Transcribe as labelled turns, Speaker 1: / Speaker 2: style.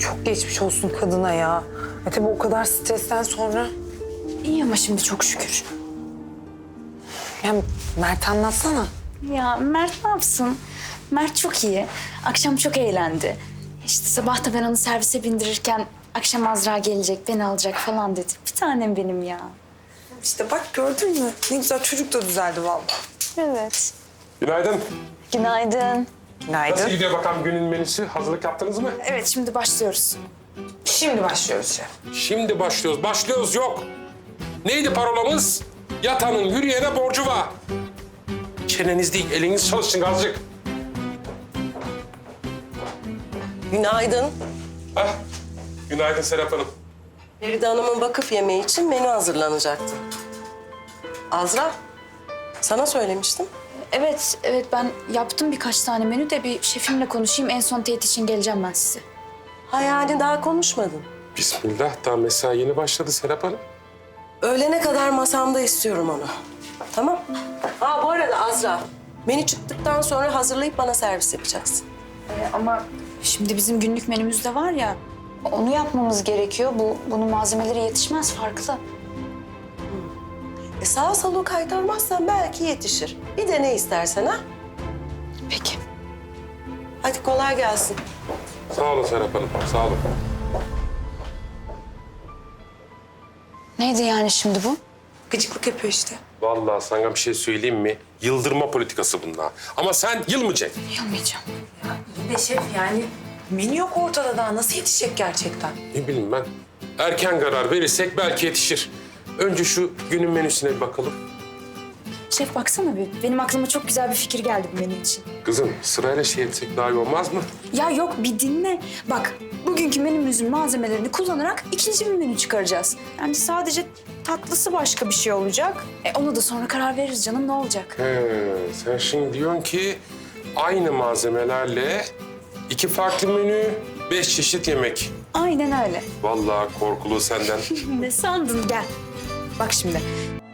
Speaker 1: çok geçmiş olsun kadına ya. Tabii o kadar stresten sonra.
Speaker 2: İyi ama şimdi çok şükür.
Speaker 1: Yani Mert anlatsana.
Speaker 2: Ya Mert ne yapsın? Mert çok iyi. Akşam çok eğlendi. İşte sabah da ben onu servise bindirirken akşam Azra gelecek, beni alacak falan dedi. Bir tanem benim ya.
Speaker 1: İşte bak gördün mü? Ne güzel çocuk da düzeldi vallahi.
Speaker 2: Evet.
Speaker 3: Günaydın.
Speaker 2: Günaydın.
Speaker 1: Günaydın.
Speaker 3: Nasıl gidiyor bakalım günün menüsü? Hazırlık yaptınız mı?
Speaker 2: Evet şimdi başlıyoruz.
Speaker 1: Şimdi başlıyoruz şef.
Speaker 3: Şimdi başlıyoruz. Başlıyoruz yok. Neydi parolamız? Yatanın yürüyene borcu var. Çeneniz değil, eliniz çalışsın azıcık.
Speaker 4: Günaydın.
Speaker 3: Hah. Günaydın Serap Hanım.
Speaker 4: Feride Hanım'ın vakıf yemeği için menü hazırlanacaktı. Azra, sana söylemiştim.
Speaker 2: Evet ben yaptım birkaç tane menü de bir şefimle konuşayım. En son teyit için geleceğim ben size.
Speaker 4: Ha yani daha konuşmadın.
Speaker 3: Bismillah, daha mesai yeni başladı Serap Hanım.
Speaker 4: Öğlene kadar masamda istiyorum onu. Tamam. Ha bu arada Azra, menü çıktıktan sonra hazırlayıp bana servis yapacaksın.
Speaker 2: Ama şimdi bizim günlük menümüz de var ya. Onu yapmamız gerekiyor. Bunun malzemeleri yetişmez farklı.
Speaker 4: Sağa solu kaytarmazsan belki yetişir. Bir de ne istersen ha.
Speaker 2: Peki.
Speaker 4: Hadi kolay gelsin.
Speaker 3: Sağ olun Serap Hanım, sağ olun.
Speaker 2: Neydi yani şimdi bu?
Speaker 1: Gıcıklık yapıyor işte.
Speaker 3: Vallahi sana bir şey söyleyeyim mi? Yıldırma politikası bunlar. Ama sen yılmayacaksın.
Speaker 2: Yılmayacağım.
Speaker 1: Bir de şef yani menü yok ortada daha. Nasıl yetişecek gerçekten?
Speaker 3: Ne bileyim ben. Erken karar verirsek belki yetişir. Önce şu günün menüsüne bir bakalım.
Speaker 2: Şef baksana bir. Benim aklıma çok güzel bir fikir geldi bu menü için.
Speaker 3: Kızım sırayla şey etsek daha iyi olmaz mı?
Speaker 2: Ya yok bir dinle. Bak bugünkü menümüzün malzemelerini kullanarak ikinci bir menü çıkaracağız. Yani sadece tatlısı başka bir şey olacak. Ona da sonra karar veririz canım ne olacak?
Speaker 3: Sen şimdi diyorsun ki aynı malzemelerle 2 farklı menü, 5 çeşit yemek.
Speaker 2: Aynen öyle.
Speaker 3: Vallahi korkulu senden.
Speaker 2: Ne sandın gel. Bak şimdi